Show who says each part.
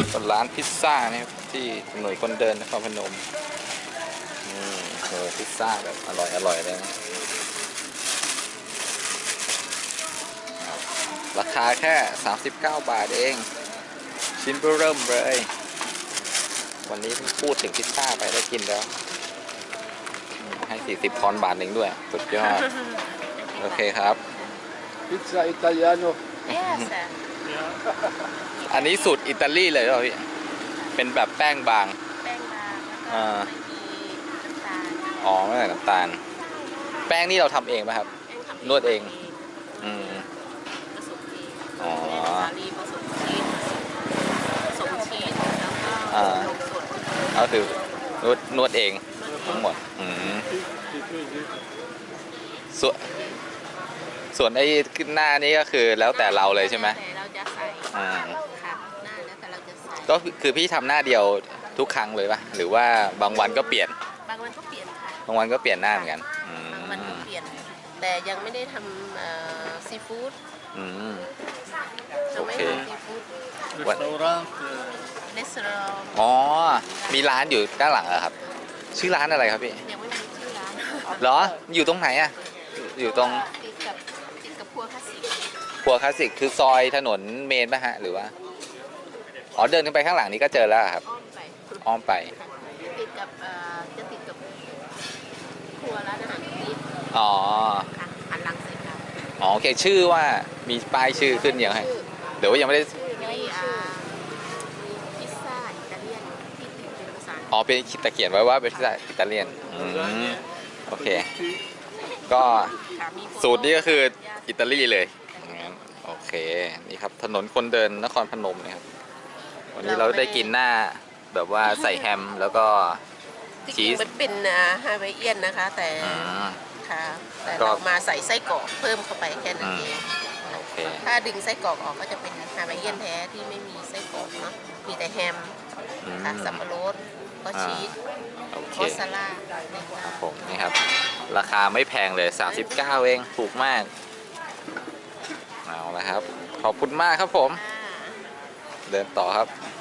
Speaker 1: ร้านพิซซ่าเนี่ยที่ถนนคนเดินนครพนมโหพิซซ่าแบบอร่อยเลยนะราคาแค่39 บาทเองชิ้นเริ่มเลยวันนี้เพิ่งพูดถึงพิซซ่าไปได้กินแล้วให้40 ทอนบาทหนึ่งด้วยสุดยอดโอเคครับ
Speaker 2: Pizza italiano.
Speaker 3: Yes.
Speaker 1: อันนี้สูตรอิตาลีเลยเหรอพี่เป็นแบบแป้งบาง
Speaker 3: แป้งบางแล้วก็ไม่มีน้ำตาล
Speaker 1: อ๋อไม่ใส่น้ำตาลแป้งนี่เราทำเองไหมครับ
Speaker 3: แป้งทำ
Speaker 1: นวดเอง
Speaker 3: ผสมเอง
Speaker 1: อ๋อ
Speaker 3: สาลีผสมชีสแล้วก็นมสด
Speaker 1: ก็คือนวดเองทั้งหมดส่วนไอ้ขึ้นหน้านี่ก็คือแล้วแต่เราเลยใช่ไหม
Speaker 3: แต่เราจะใส่ค่ะหน้าแล้วแต่เราจะใส่
Speaker 1: ก็คือพี่ทำหน้าเดียวทุกครั้งเลยปะหรือว่าบางวันก็เปลี่ยน
Speaker 3: บางวันก็เปลี่ยนค่ะ
Speaker 1: บางวันก็เปลี่ยนหน้าเหมือนกัน
Speaker 3: บางวันก็เปลี่ยนแต่ยังไม่ได้ทำซีฟู้ด
Speaker 1: โอเค
Speaker 3: ซีฟู้ด
Speaker 2: Ristorante.
Speaker 3: รีสอร์ท
Speaker 1: อ๋อมีร้านอยู่ด้านหลังเหรอครับชื่อร้านอะไรครับพี่
Speaker 3: ยังไม่มีชื่อร้าน
Speaker 1: เหรออยู่ตรงไหนอะอยู่ตรง
Speaker 3: ติดกับครัวคลาสสิก
Speaker 1: ครัวคลาสสิกคือซอยถนนเมนป่ะฮะหรือว่าอ๋อเดินขึ้นไปข้างหลังนี้ก็เจอแล้วครับ
Speaker 3: อ้อมไป
Speaker 1: อ้อมไป
Speaker 3: ติดกับจะติดกับครัวร้านอาหารตรงนี้
Speaker 1: อ๋อ
Speaker 3: ค่ะหันหลังใส่กัน
Speaker 1: อ๋อโอเคชื่อว่ามีป้ายชื่อขึ้นยังไงเดี๋ยวว่ายังไม่ได้
Speaker 3: มีพิซซ่าอิตาเลียนที่ติดเป็นภาษา
Speaker 1: อ๋อเป็นตะเขียนไว้ว่าเป็นพิซซ่าอิตาเลียนโอเคก็
Speaker 3: ค่ะมี
Speaker 1: สูตรนี้ก็คืออิตาลีเลยงั้นโอเคนี่ครับถนนคนเดินนครพนมนะครับวันนี้เราได้กินหน้าแบบว่าใส่แฮมแล้วก็
Speaker 3: ที่จริงมันเป็นฮาวายเอียนนะคะ แต่ค่ะแต่
Speaker 1: ก็
Speaker 3: เรามาใส่ไส้กรอกเพิ่มเข้าไปแค่นั้นเอง
Speaker 1: โอเค
Speaker 3: ถ้าดึงไส้กรอกออกก็จะเป็นฮาวายเอียนแท้ที่ไม่มีไส้กรอกเนาะมีแต่แฮมค่ะสับปะรดก็ชีส
Speaker 1: โอเค
Speaker 3: มอสซาร่า
Speaker 1: ครับผมนี่ครับราคาไม่แพงเลย39เองถูกมากเอาละครับขอบคุณมากครับผมเดินต่อครับ